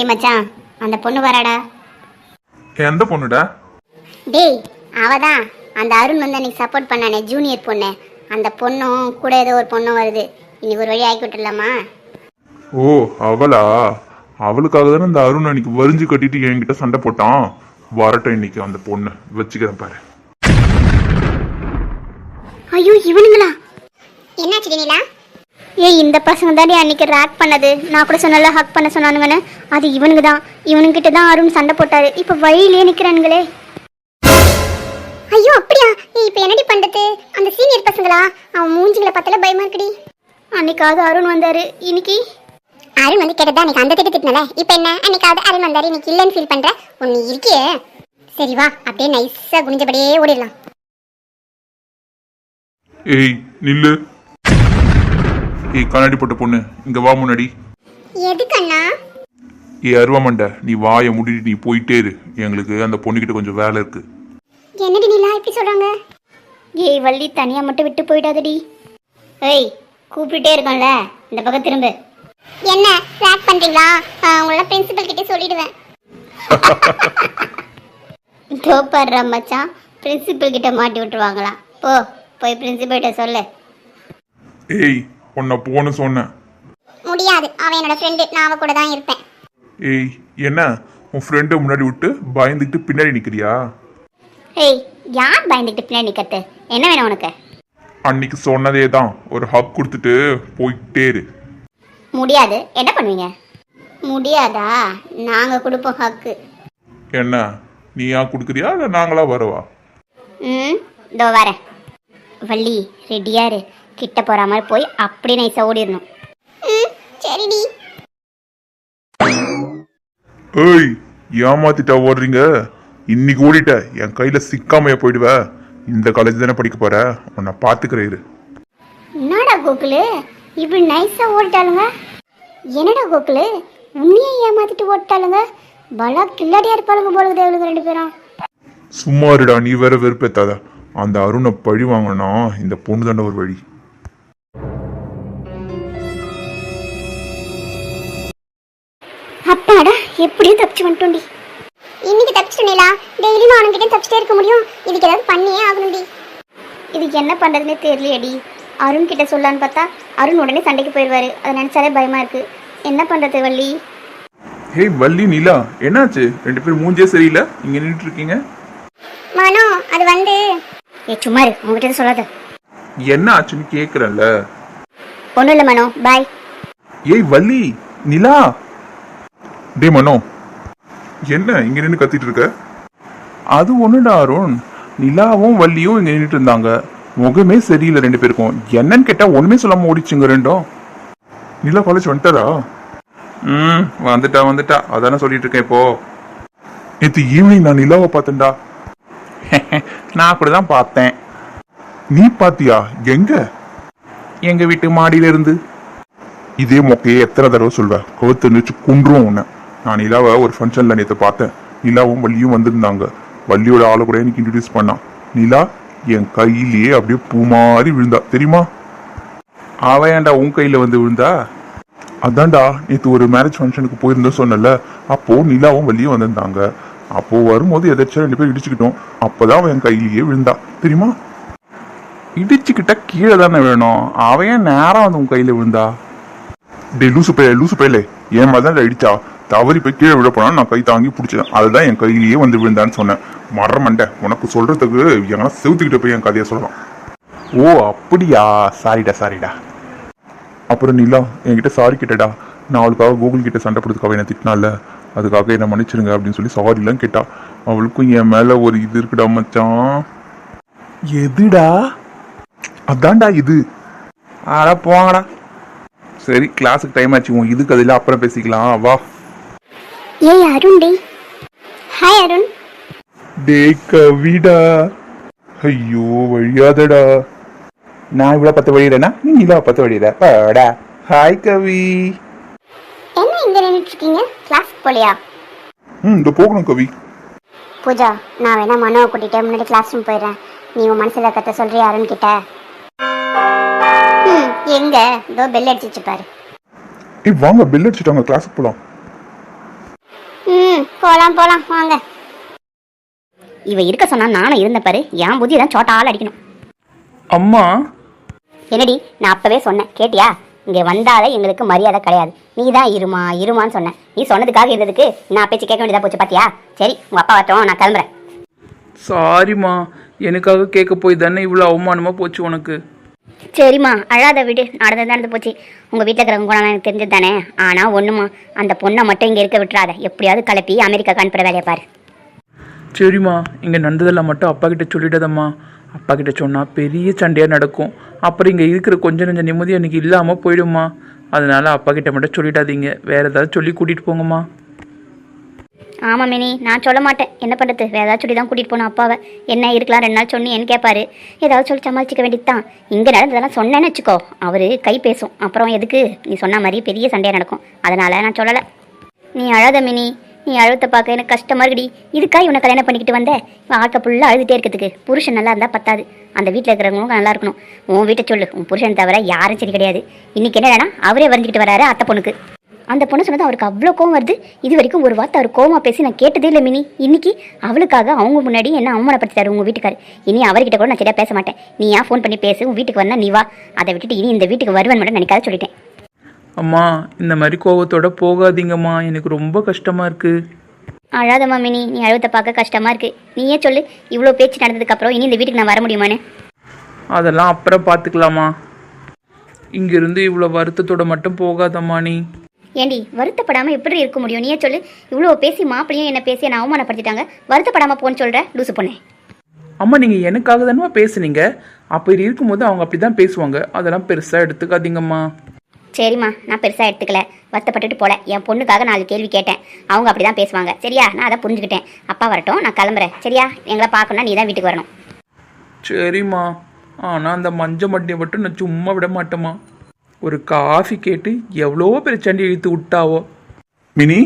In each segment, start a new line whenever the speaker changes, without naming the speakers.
டேய் மச்சான், அந்த பொண்ணு வராடா.
எந்த பொண்ணுடா?
டேய் அவதான் அந்த அருண் வந்து அன்னைக்கு சப்போர்ட் பண்ணானே ஜூனியர் பொண்ணு. அந்த பொண்ணும் கூட ஏதோ ஒரு பொண்ணும் வருது. இன்னைக்கு ஒரு வழி ஆக்கி விட்டுடலாமா?
ஓ அவளா? அவளுக்காக தானே இந்த அருண் அன்னைக்கு வரிஞ்சு கட்டிட்டு என்கிட்ட சண்டை போட்டான். வரட்டும் இன்னைக்கு அந்த பொண்ணு வச்சுக்கிறேன் பாரு.
ஐயோ இவனுங்களா? என்னாச்சு நீலா? ஏய் இந்த பசங்க தாண்டி அன்னைக்கு ரேக் பண்ணது. நான் கூட சொன்னல ஹக் பண்ண சொன்னானுங்கன்னு. அது இவனுங்க தான். இவனுங்கிட்ட தான் அருண் சண்டை போட்டாரு. இப்போ வழியிலே நிற்கிறானுங்களே. ஐயோ அப்படியா? இப்போ என்னடி பண்றது? அந்த சீனியர் பசங்களா? அவன் மூஞ்சிகளை பார்த்தால பயமா இருக்குடி. அன்னைக்காவது அருண் வந்தாரு, இன்னைக்கு அருண் வந்து கேட்டதா அன்னைக்கு அந்த திட்டத்தினால. இப்போ என்ன? அன்னைக்காவது அருண் வந்தாரு, இன்னைக்கு இல்லைன்னு ஃபீல் பண்ற? ஒன்னு இருக்கியே. சரி வா, அப்படியே நைஸா குனிஞ்சபடியே ஓடிடலாம்.
ஏய் நில்லு. ஏய் கண்ணாடி போட்ட பொண்ணு இங்க வா முன்னாடி.
எதுக்கண்ணா?
ஏய் அருவாமண்ட, நீ வாயை முடிட்டு நீ போயிட்டே இரு. எங்களுக்கு அந்த பொண்ணுகிட்ட கொஞ்சம் வேலை இருக்கு.
என்னடி நீலா இப்படி சொல்றாங்க? ஏய் வள்ளி, தனியா மட்டும் விட்டு போயிடாதடி. ஏய் கூப்பிட்டுட்டே இருக்கோம்ல, இந்த பக்கம் திரும்ப. என்ன ட்ராக் பண்றீங்களா? உங்கள பிரின்சிபல் கிட்ட சொல்லிடுவேன். தோப்பாடுற மச்சான், பிரின்சிபல் கிட்ட மாட்டி விட்டுருவாங்களா? போ போய் பிரின்சிபல் கிட்ட சொல்லு.
ஏய் உன்னை போன்னு சொன்னேன்.
முடியாது, அவன் என்னோட ஃப்ரெண்டு. நான் அவ கூட தான் இருப்பேன்.
ஏய் என்ன உன் ஃப்ரெண்டை முன்னாடி விட்டு பயந்துக்கிட்டு பின்னாடி நிக்கிறியா?
ஏய் யார் பயந்துக்கிட்டு பின்னாடி நிக்கிறது? என்ன வேணும் உனக்கு?
அன்னைக்கு சொன்னதே தான், ஒரு ஹக் கொடுத்துட்டு போயிட்டே இரு.
முடியாது. என்ன பண்ணுவீங்க? முடியாதா? நாங்க கொடுப்போம் ஹக்கு.
என்ன நீயா கொடுக்குறியா இல்லை நாங்களா வரவா?
இதோ வரேன். வள்ளி ரெடியா இரு. கிட்ட போற மாதிரி போய் அப்படியே நைஸா ஓடிடணும். சரிடி.
ஏய் ஏமாத்திட்டா ஓடுறீங்க? இன்னைக்கு ஓடிட்ட என் கையில சிக்காமைய போயிடுவ. இந்த காலேஜ் தானே படிக்க போற, உன்னை பாத்துக்கிறேன்.
என்னடா கோகுலு இப்படி நைஸா ஓடிட்டாளுங்க? என்னடா கோகுலு உன்னையே ஏமாத்திட்டு ஓடிட்டாளுங்க? பலா கில்லாடியா இருப்பாளுங்க போல தேவலுங்க ரெண்டு பேரும்.
சும்மா இருடா, நீ வேற வெறுப்பேத்தாத. அந்த அருணை பழி வாங்கினா இந்த பொண்ணு தாண்ட ஒரு வழி.
அப்பாடா எப்படியும் தப்பிச்சு வந்துட்டோண்டி. இன்னைக்கு தப்பிச்சுட்டா? டெய்லியும் அவனுக்கிட்டே தப்பிச்சிட்டே இருக்க முடியும்? இதுக்கு ஏதாவது பண்ணியே ஆகணும்டி. இதுக்கு என்ன பண்றதுன்னே தெரியலையடி. அருண் கிட்ட சொல்லலான்னு பார்த்தா அருண் உடனே சண்டைக்கு போயிடுவாரு. அதை நினைச்சாலே பயமா இருக்கு. என்ன பண்றது வள்ளி?
ஹே வள்ளி நிலா, என்னாச்சு? ரெண்டு பேரும் மூஞ்சே சரியில்லை, இங்க நின்றுட்டு இருக்கீங்க.
மனோ அது வந்து சும்மா இரு, உங்ககிட்ட சொல்லாத.
என்ன ஆச்சுன்னு கேக்குறேன்ல.
ஒன்றும் இல்லை மனோ, பாய்.
ஏய் வள்ளி நிலா. டே மனோ, என்ன இங்க நின்று கத்திட்டு இருக்க? அது ஒண்ணுடா அருண், நிலாவும் வள்ளியும் இங்க நின்றுட்டு இருந்தாங்க. முகமே சரியில்லை ரெண்டு பேருக்கும். என்னன்னு கேட்டா ஒண்ணுமே சொல்லாம ஓடிச்சுங்க ரெண்டும். நிலா காலேஜ் வந்துட்டாரா? வந்துட்டா அதானே சொல்லிட்டு இருக்கேன். இப்போ நேற்று ஈவினிங் நான் நிலாவை பார்த்தேன்டா. நான் கூட தான் பார்த்தேன். நீ பாத்தியா? எங்க? எங்க வீட்டு மாடியில இருந்து. இதே மொக்கையே எத்தனை தடவை சொல்வேன், கவுத்து நிச்சு குன்றும் உன்னை. நான் நிலாவை ஒரு ஃபங்க்ஷன்ல நேற்று பார்த்தேன். நிலாவும் வள்ளியும் வந்திருந்தாங்க. வள்ளியோட ஆளை கூட எனக்கு இன்ட்ரடியூஸ் பண்ணான். நிலா என் கையிலேயே அப்படியே பூ மாதிரி விழுந்தா தெரியுமா? அவ ஏன்டா உன் கையில வந்து விழுந்தா? அதான்டா நேற்று ஒரு மேரேஜ் ஃபங்க்ஷனுக்கு போயிருந்தோம் சொன்னல. அப்போ நிலாவும் வள்ளியும் வந்திருந்தாங்க. அப்போ வரும்போது எதாச்சும் ரெண்டு பேரும் இடிச்சுக்கிட்டோம். அப்பதான் அவன் என் கையிலேயே விழுந்தா தெரியுமா? இடிச்சுக்கிட்ட கீழே தானே வேணும், அவன் ஏன் நேரம் வந்து உன் கையில விழுந்தா? டே லூசு பையலே, என் மாதிரி தான் இடிச்சா. தவறி போய் கீழே விழ போனா நான் கை தாங்கி பிடிச்சேன். அதுதான் என் கையிலேயே வந்து விழுந்தான்னு சொன்னேன். மறமண்ட உனக்கு சொல்றதுக்கு எங்கன்னா செவுத்துக்கிட்ட போய் என் கதையை சொல்லலாம். ஓ அப்படியா? சாரிடா. அப்புறம் நிலா என்கிட்ட சாரி கேட்டடா. நான் அவளுக்காக கூகுள் கிட்ட சண்டை போடுறதுக்காக என்ன திட்டினால, அதுக்காக என்ன மன்னிச்சிருங்க அப்படின்னு சொல்லி சாரிலாம் கேட்டா. அவளுக்கும் என் மேல ஒரு இது இருக்குடா மச்சான். எதுடா? அதான்டா இது. ஆடா போங்கடா. சரி கிளாஸுக்கு டைம் ஆச்சு, உன் இதுக்கு அதில் அப்புறம் பேசிக்கலாம் வா.
ஏய் அருண் டே. ஹாய் அருண்.
டே கவிடா. ஐயோ வழியாதடா. நான் இவ்வளோ 10 வழியிடனா, நீ இவ்வளோ 10 வழியிட. ஹாய் கவி.
என்ன இங்க நின்றுட்டு இருக்கீங்க? கிளாஸ்க்கு போலியா?
இந்த போகணும் கவி.
பூஜா, நான் வேணா மனோவை கூட்டிட்டு முன்னாடி கிளாஸ் ரூம் போயிடுறேன். நீ உன் மனசுல கத்த சொல்றியா அருண் கிட்ட? எங்க இதோ பெல் அடிச்சிச்சு பாரு.
வாங்க பெல் அடிச்சுட்டாங்க, கிளாஸுக்கு போலாம்.
போலாம் போலாம் வாங்க.
இவ இருக்க சொன்னா நானும் இருந்த பாரு, என் புத்தி தான் சோட்டால் அடிக்கணும்.
அம்மா.
என்னடி, நான் அப்பவே சொன்னேன் கேட்டியா? இங்கே வந்தாலே எங்களுக்கு மரியாதை கிடையாது. நீ தான் இருமா இருமான்னு சொன்னேன். நீ சொன்னதுக்காக இருந்ததுக்கு நான் பேச்சு கேட்க வேண்டியதா போச்சு பாத்தியா? சரி, உங்க அப்பா வரட்டும், நான் கிளம்புறேன்.
சாரிம்மா, எனக்காக கேட்க போய் தானே இவ்வளோ அவமானமாக போச்சு உனக்கு.
சரிம்மா, அழாத விடு, நடந்து போச்சு. உங்கள் வீட்டில் இருக்கிறவங்க கூட எனக்கு தெரிஞ்சது தானே. ஆனால் ஒன்றுமா, அந்த பொண்ணை மட்டும் இங்கே இருக்க விட்டுறாத. எப்படியாவது கிளப்பி அமெரிக்காவுக்கு அனுப்புகிற வேலையை பாரு.
சரிம்மா, இங்கே நடந்ததெல்லாம் மட்டும் அப்பா கிட்ட சொல்லிட்டதம்மா. அப்பா கிட்ட சொன்னால் பெரிய சண்டையாக நடக்கும். அப்புறம் இங்கே இருக்கிற கொஞ்சம் நெஞ்ச நிம்மதி எனக்கு இல்லாமல் போயிடும்மா. அதனால அப்பா கிட்ட மட்டும் சொல்லிடாதீங்க, வேறு ஏதாவது சொல்லி கூட்டிகிட்டு போங்கம்மா.
ஆமாம் மினி, நான் சொல்ல மாட்டேன். என்ன பண்ணுறது, வேறு ஏதாவது சொல்லி தான் கூட்டிகிட்டு போகணும் அப்பாவை. என்ன இருக்கலாம் 2 நாள் சொன்னேன்னு கேட்பாரு. ஏதாவது சொல்லி சமாளிச்சிக்க வேண்டியது தான். இங்கே நடந்ததெல்லாம் சொன்னேன்னு வச்சுக்கோ, அவர் கை பேசும். அப்புறம் எதுக்கு நீ சொன்ன மாதிரி பெரிய சண்டையாக நடக்கும். அதனால் நான் சொல்லலை. நீ அழாத மினி, நீ அழுத்த பார்க்க எனக்கு கஷ்டமாக இருக்குடி. இதுக்காக இவனை கல்யாணம் பண்ணிக்கிட்டு வந்தேன். வாழ்க்கை ஃபுல்லாக அழுதுகிட்டே இருக்கிறதுக்கு. புருஷன் நல்லா இருந்தால் பத்தாது, அந்த வீட்டில் இருக்கிறவங்களும் நல்லா இருக்கணும். உன் வீட்டை சொல்லு, உன் புருஷன் தவிர யாரும் சரி கிடையாது. இன்றைக்கி என்னடா அவரே வரைஞ்சிக்கிட்டு வராரு அத்தை பொண்ணுக்கு. அந்த பொண்ணு சொன்னது அவருக்கு அவ்வளோ கோவம் வருது. இது வரைக்கும் ஒரு வார்த்தை அவர் கோவமாக பேசி நான் கேட்டதே இல்லை மினி. இன்னைக்கு அவளுக்காக அவங்க முன்னாடி என்ன அவமானப்படுத்திட்டாரு உங்கள் வீட்டுக்காரு. இனி அவர்கிட்ட கூட நான் சரியாக பேச மாட்டேன். நீ ஏன் ஃபோன் பண்ணி பேசு, உன் வீட்டுக்கு வந்தா நீ வா. அதை விட்டுட்டு இனி இந்த வீட்டுக்கு வருவேன் மட்டும் நினைக்காத சொல்லிட்டேன்.
அம்மா, இந்த மாதிரி கோவத்தோட போகாதீங்கம்மா, எனக்கு ரொம்ப கஷ்டமாக இருக்குது.
அழாதம்மா மினி, நீ அழுவத்தை பார்க்க கஷ்டமாக இருக்குது. நீயே சொல்லு, இவ்வளோ பேச்சு நடந்ததுக்கப்புறம் இனி இந்த வீட்டுக்கு நான் வர முடியுமான்னு?
அதெல்லாம் அப்புறம் பார்த்துக்கலாமா. இங்கேருந்து இவ்வளோ வருத்தத்தோட மட்டும் போகாதம்மா நீ.
ஏண்டி, வருத்தப்படாமல் எப்படி இருக்க முடியும்? நீயே சொல்லு. இவ்வளோ பேசி மாப்பிளையும் என்ன பேசி என்னை அவமானப்படுத்திட்டாங்க. வருத்தப்படாமல் போன்னு சொல்கிற லூசு பொண்ணு.
அம்மா, நீங்கள் எனக்காக தானே பேசுனீங்க. அப்படி இருக்கும்போது அவங்க அப்படி தான் பேசுவாங்க. அதெல்லாம் பெருசாக எடுத்துக்காதீங்கம்மா.
சரிம்மா, நான் பெருசாக எடுத்துக்கல, வருத்தப்பட்டுட்டு போல. என் பொண்ணுக்காக 4 கேள்வி கேட்டேன். அவங்க அப்படி தான் பேசுவாங்க. சரியா? நான் அதை புரிஞ்சுக்கிட்டேன். அப்பா வரட்டும், நான் கிளம்புறேன். சரியா? எங்களை பார்க்கணுன்னா நீ தான் வீட்டுக்கு வரணும்.
சரிம்மா, ஆனால் அந்த மஞ்சள் மட்டியை மட்டும் நான் சும்மா விட மாட்டேம்மா. ஒரு காஃபி கேட்டு எவ்வளோ பெரிய சண்டை இழுத்து விட்டாவோ.
மினி,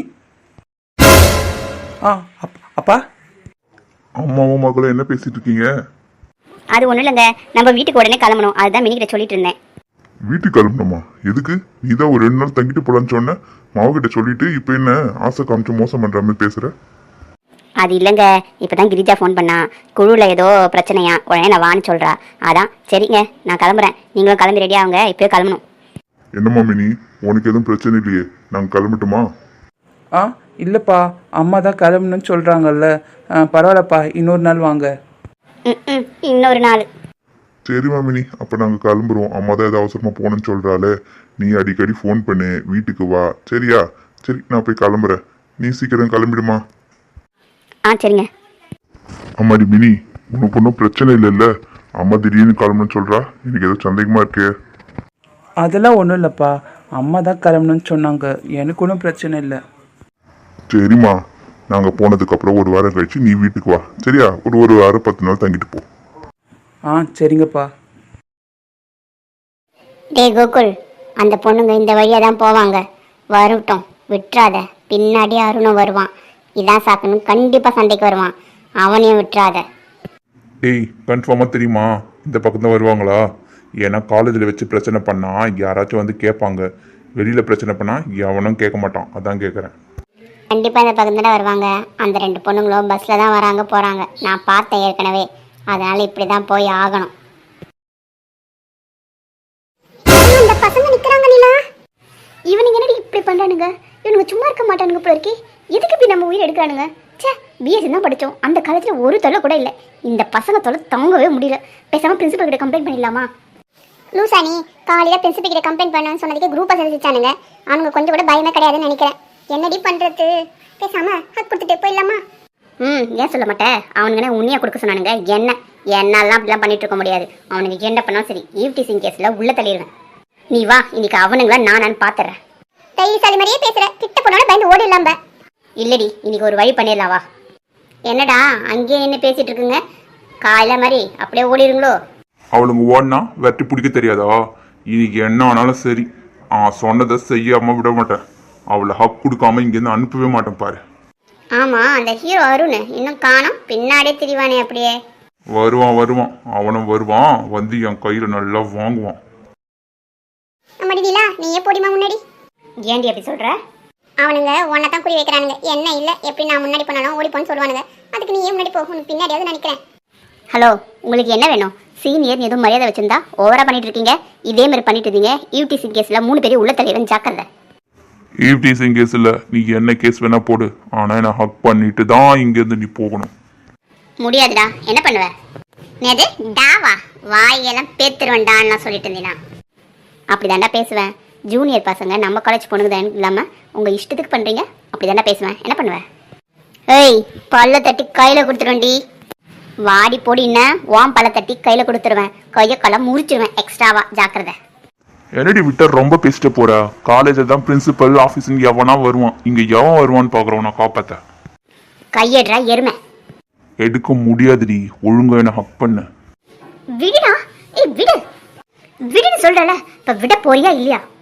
அப்பா.
அம்மாவும் மகளும் என்ன பேசிட்டு இருக்கீங்க?
அது ஒன்றும் இல்லைங்க, நம்ம வீட்டுக்கு உடனே கிளம்பணும். அதுதான் மினிக்கிட்ட சொல்லிட்டு இருந்தேன்.
வீட்டுக்கு கிளம்பணுமா? எதுக்கு? நீ தான் ஒரு 2 நாள் தங்கிட்டு போலான்னு சொன்ன. மாவுகிட்ட சொல்லிட்டு இப்போ என்ன ஆசை காமிச்சு மோசம் பண்ற மாதிரி பேசுற?
அது இல்லைங்க, இப்போ தான் கிரிஜா ஃபோன் பண்ணா. குழுவில் ஏதோ பிரச்சனையா, உடனே நான் வான்னு சொல்கிறா. அதான் சரிங்க, நான் கிளம்புறேன். நீங்களும் கிளம்பி ரெடியாகுங்க, இப்போயே கிளம்பணும்.
என்னம்மா மினி, உனக்கு எதுவும் பிரச்சனை இல்லையே? நாங்கள் கிளம்பட்டுமா?
இல்லைப்பா, அம்மா தான் கிளம்பணும்னு சொல்கிறாங்கல்ல. பரவாயில்லப்பா, இன்னொரு நாள் வாங்க.
ம், இன்னொரு நாள்.
சரிம்மா மினி, அப்போ நாங்கள் கிளம்புறோம். அம்மா தான் ஏதாவது அவசரமாக போகணுன்னு சொல்கிறாளே. நீ அடிக்கடி ஃபோன் பண்ணு, வீட்டுக்கு வா. சரியா? சரி, நான் போய் கிளம்புறேன். நீ சீக்கிரம் கிளம்பிடுமா?
சரிங்க.
அம்மாடி மினி, உனக்கு ஒன்றும் பிரச்சனை இல்லைல்ல? அம்மா திடீர்னு கிளம்பணும்னு சொல்கிறா. எனக்கு ஏதோ சந்தேகமாக இருக்கே.
அதெல்லாம் ஒன்றும் இல்லைப்பா, அம்மா தான் கிளம்பணும்னு சொன்னாங்க. எனக்கு ஒன்றும் பிரச்சனை இல்லை.
சரிம்மா, நாங்கள் போனதுக்கப்புறம் 1 வாரம் கழிச்சு நீ வீட்டுக்கு வா. சரியா? ஒரு வாரம் 10 நாள் தங்கிட்டு போ.
சரிங்கப்பா.
டே கோகுல், அந்த பொண்ணுங்க இந்த வழியாக தான் போவாங்க. வரட்டும், விட்டுறாத. பின்னாடி அருணும் வருவான். இதான் சாக்கணும், கண்டிப்பாக சண்டைக்கு வருவான். அவனையும் விட்டுறாத.
டேய், கன்ஃபார்மாக தெரியுமா இந்த பக்கம் தான் வருவாங்களா? ஏன்னா காலேஜில் வச்சு பிரச்சனை பண்ணால் யாராச்சும் வந்து கேட்பாங்க. வெளியில் பிரச்சனை பண்ணால் எவனும் கேட்க மாட்டான். அதான் கேட்குறேன்.
கண்டிப்பாக இந்த பக்கம் தான் வருவாங்க. அந்த 2 பொண்ணுங்களும் பஸ்ஸில் தான் வராங்க போகிறாங்க. நான் பார்த்தேன் ஏற்கனவே. அதனால் இப்படி தான் போய் ஆகணும். அந்த பசங்க நிற்கிறாங்க நிலா.
இவனுங்க என்னடி இப்படி பண்ணுறானுங்க? இவனுங்க சும்மா இருக்க மாட்டானுங்க போல இருக்கே. எதுக்கு இப்படி நம்ம உயிர் எடுக்கிறானுங்க? சே, பிஎஸ்சி தான் படித்தோம். அந்த காலத்தில் ஒரு தொல்லை கூட இல்லை. இந்த பசங்க தொல்லை தாங்கவே முடியல. பேசாமல் பிரின்சிபல் கிட்ட கம்ப்ளைண்ட் பண்ணிடலாமா?
லூசானி, காலையில் பிரின்சிபல் கிட்ட கம்ப்ளைண்ட் பண்ணணும்னு சொன்னதுக்கு குரூப்பை செஞ்சுச்சானுங்க. அவனுங்க கொஞ்சம் கூட பயமே கிடையாதுன்னு நினைக்கிறேன். என்னடி பண்ணுறது? பேசாமல் ஹக் கொடுத்துட்டு போயிடலாமா?
ஏன் சொல்ல மாட்டேன்? அவனுங்கன்னு உண்மையாக கொடுக்க சொன்னானுங்க. என்னெல்லாம் அப்படிலாம் பண்ணிட்டு இருக்க முடியாது. அவனுக்கு என்ன பண்ணாலும் சரி, ஈவ்டீசிங் கேஸில் உள்ள தள்ளிடுவேன். நீ வா, இன்னைக்கு அவனுங்களா நானான்னு பார்த்துறேன்.
தைரியசாலி மாதிரியே பேசுகிற. கிட்ட போனோட பயந்து ஓடிடலாம்ப.
இல்லடி, இன்னைக்கு ஒரு வழி பண்ணிடலாம் வா.
என்னடா அங்கேயே என்ன பேசிட்டு இருக்குங்க? காலைல மாதிரி அப்படியே ஓடிடுங்களோ?
அவளுங்க ஓடினா வெட்டி பிடிக்க தெரியாதா? இன்னைக்கு என்ன ஆனாலும் சரி, சொன்னதை செய்யாமல் விட மாட்டேன். அவளை ஹக் கொடுக்காம இங்கேருந்து அனுப்பவே மாட்டேன் பாரு.
ஆமாம், அந்த ஹீரோ அருண் இன்னும் காணோம். பின்னாடியே திரிவானே அப்படியே.
வருவான். அவனும் வருவான். வந்து என் கையில் நல்லா வாங்குவான்.
நம்மடி நிலா, நீயே போடிமா முன்னாடி.
ஏண்டி அப்படி சொல்கிற?
அவனுங்க உன்னை தான் குறி வைக்கிறானுங்க, என்ன இல்லை எப்படி நான் முன்னாடி போனாலும் ஓடி போன்னு சொல்லுவானுங்க. அதுக்கு நீ ஏன் முன்னாடி போ, உனக்கு பின்னாடியாவது நினைக்கிறேன்.
ஹலோ, உங்களுக்கு என்ன வேணும்? சீனியர் எதுவும் மரியாதை வச்சிருந்தா ஓவரா பண்ணிட்டு இருக்கீங்க. இதே மாதிரி பண்ணிட்டு இருந்தீங்க யூடிசி கேஸ்ல 3 பேரும் உள்ள தலைவன் ஜாக்கிரதை.
ஈவ்டீசிங் கேஸ்ல நீ என்ன கேஸ் வேணா போடு, ஆனா என்ன ஹக் பண்ணிட்டு தான் இங்கேருந்து நீ போகணும்.
முடியாதுடா, என்ன பண்ணுவ? நேது டாவா வாயெல்லாம் பேத்துருவேன்டான்னு நான் சொல்லிட்டு இருந்தேனா? அப்படிதாண்டா பேசுவேன். ஜூனியர் பசங்க நம்ம காலேஜ் பொண்ணுங்க தான் இல்லாம உங்க இஷ்டத்துக்கு பண்றீங்க. அப்படிதாண்டா பேசுவேன், என்ன பண்ணுவேன்? ஏய், பல்ல தட்டி கையில கொடுத்துருவேன்டி. வாடி போடின்னா வாம் பல்ல தட்டி கையில கொடுத்துருவேன். கையை களம் முறிச்சிருவேன் எக்ஸ்ட்ராவா, ஜாக்கிரதை.
என்னடி விட்ட ரொம்ப பேசிட்டு போற. காலேஜில் தான் பிரின்சிபல் ஆஃபீஸ்ன்னு எவனா வருவான், இங்க எவன் வருவான்னு பாக்குறோம். நான் காப்பாத்த
கையெடுறா எருமை.
எடுக்க முடியாதுடி, ஒழுங்கா என்ன ஹக் பண்ணு.
விடுடா. ஏய் விடு, விடுன்னு சொல்றல. இப்ப விட போறியா இல்லையா?